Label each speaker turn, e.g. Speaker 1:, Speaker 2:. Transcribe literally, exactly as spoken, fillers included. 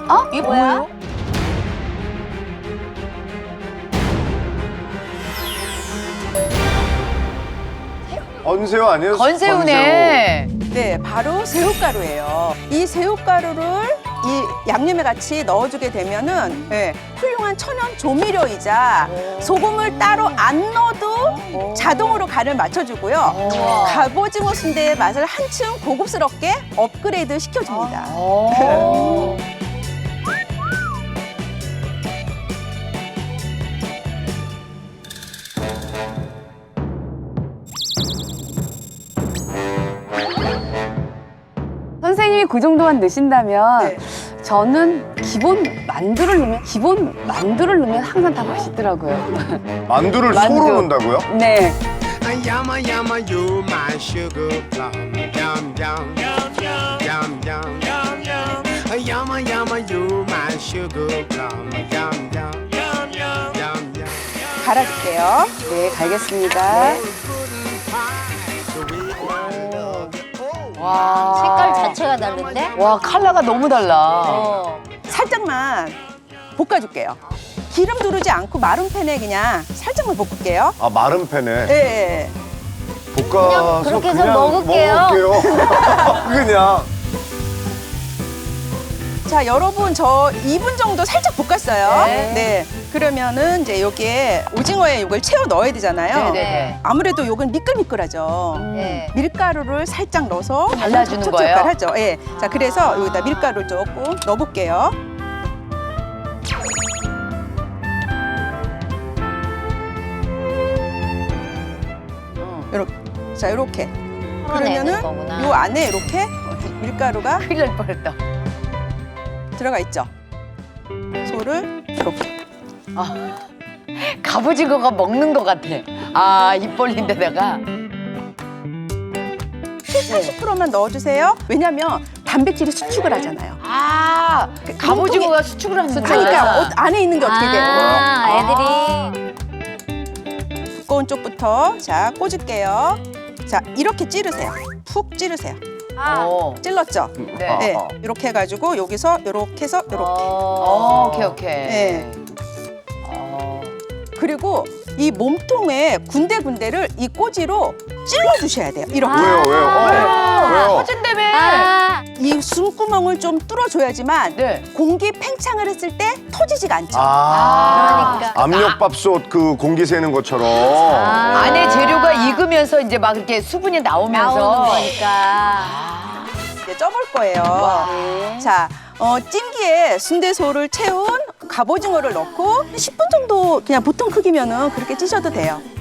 Speaker 1: 어? 이게 뭐야?
Speaker 2: 건새우 아니에요?
Speaker 1: 건새우네.
Speaker 3: 네, 바로 새우가루예요. 이 새우가루를 이 양념에 같이 넣어주게 되면은 네, 훌륭한 천연 조미료이자 소금을 따로 안 넣어도 자동으로 간을 맞춰주고요. 갑오징어 순대의 맛을 한층 고급스럽게 업그레이드 시켜줍니다.
Speaker 1: 오. 선생님이 그 정도만 넣으신다면
Speaker 3: 네.
Speaker 1: 저는 기본 만두를 넣으면 기본 만두를 넣으면 항상 다 맛있더라고요.
Speaker 2: 만두를
Speaker 1: 만두.
Speaker 2: 소로 넣는다고요?
Speaker 1: 네.
Speaker 4: Yama yama you my sugar plum yum yum yum yum yum yum yum yama yama you my sugar plum yum yum yum yum yum
Speaker 3: 갈아줄게요.
Speaker 1: 네, 갈겠습니다. 와.
Speaker 5: 색깔 자체가 다른데?
Speaker 1: 와, 컬러가 너무 달라.
Speaker 5: 어.
Speaker 3: 살짝만 볶아줄게요. 기름 두르지 않고 마른 팬에 그냥 살짝만 볶을게요.
Speaker 2: 아, 마른 팬에
Speaker 3: 네.
Speaker 2: 볶아서
Speaker 5: 그냥 그렇게 해서 먹을게요.
Speaker 2: 먹을게요. 그냥.
Speaker 3: 자, 여러분 저 이 분 정도 살짝 볶았어요.
Speaker 1: 네.
Speaker 3: 네. 그러면은 이제 여기에 오징어에 이걸 채워 넣어야 되잖아요.
Speaker 1: 네네.
Speaker 3: 아무래도 요건 미끌미끌하죠.
Speaker 5: 네.
Speaker 3: 밀가루를 살짝 넣어서
Speaker 1: 발라주는
Speaker 3: 촉촉
Speaker 1: 거예요?
Speaker 3: 하죠. 예. 자, 그래서 여기다 밀가루 조금 넣어볼게요. 요렇게. 자, 요렇게. 그러면은
Speaker 5: 거구나.
Speaker 3: 요 안에 이렇게 밀가루가
Speaker 1: 큰일 날 뻔했다.
Speaker 3: 들어가 있죠. 소를 이렇게.
Speaker 1: 갑오징어가 먹는 것 같아. 아, 입 벌린 데다가.
Speaker 3: 칠팔십 퍼센트만 넣어주세요. 왜냐면 단백질이 수축을 하잖아요.
Speaker 1: 아, 갑오징어가 수축을 하는 거야.
Speaker 3: 그러니까 어, 안에 있는 게 어떻게 돼요?
Speaker 5: 아, 애들이.
Speaker 3: 두꺼운 쪽부터 자 꽂을게요. 자, 이렇게 찌르세요. 푹 찌르세요.
Speaker 1: 어.
Speaker 3: 찔렀죠?
Speaker 1: 네.
Speaker 3: 네,
Speaker 2: 어.
Speaker 3: 이렇게 해가지고 여기서 이렇게 해서 이렇게.
Speaker 1: 어, 오케이, 오케이.
Speaker 3: 네.
Speaker 1: 어.
Speaker 3: 그리고 이 몸통에 군데군데를 이 꼬지로 찔러주셔야 돼요. 이렇게.
Speaker 2: 왜요, 왜요? 어, 왜요?
Speaker 1: 터진다며.
Speaker 5: 아,
Speaker 3: 이 숨구멍을 좀 뚫어줘야지만
Speaker 1: 네.
Speaker 3: 공기 팽창을 했을 때 터지지가 않죠.
Speaker 2: 아,
Speaker 5: 그러니까.
Speaker 2: 압력밥솥 그 공기 새는 것처럼.
Speaker 5: 아.
Speaker 1: 안에 재료가 익으면서 이제 막 이렇게 수분이 나오면서.
Speaker 5: 나오는 거니까.
Speaker 3: 이제 쪄볼 거예요. 자, 어, 찜기에 순대소를 채운 갑오징어를 넣고 십 분 정도 그냥 보통 크기면은 그렇게 찌셔도 돼요.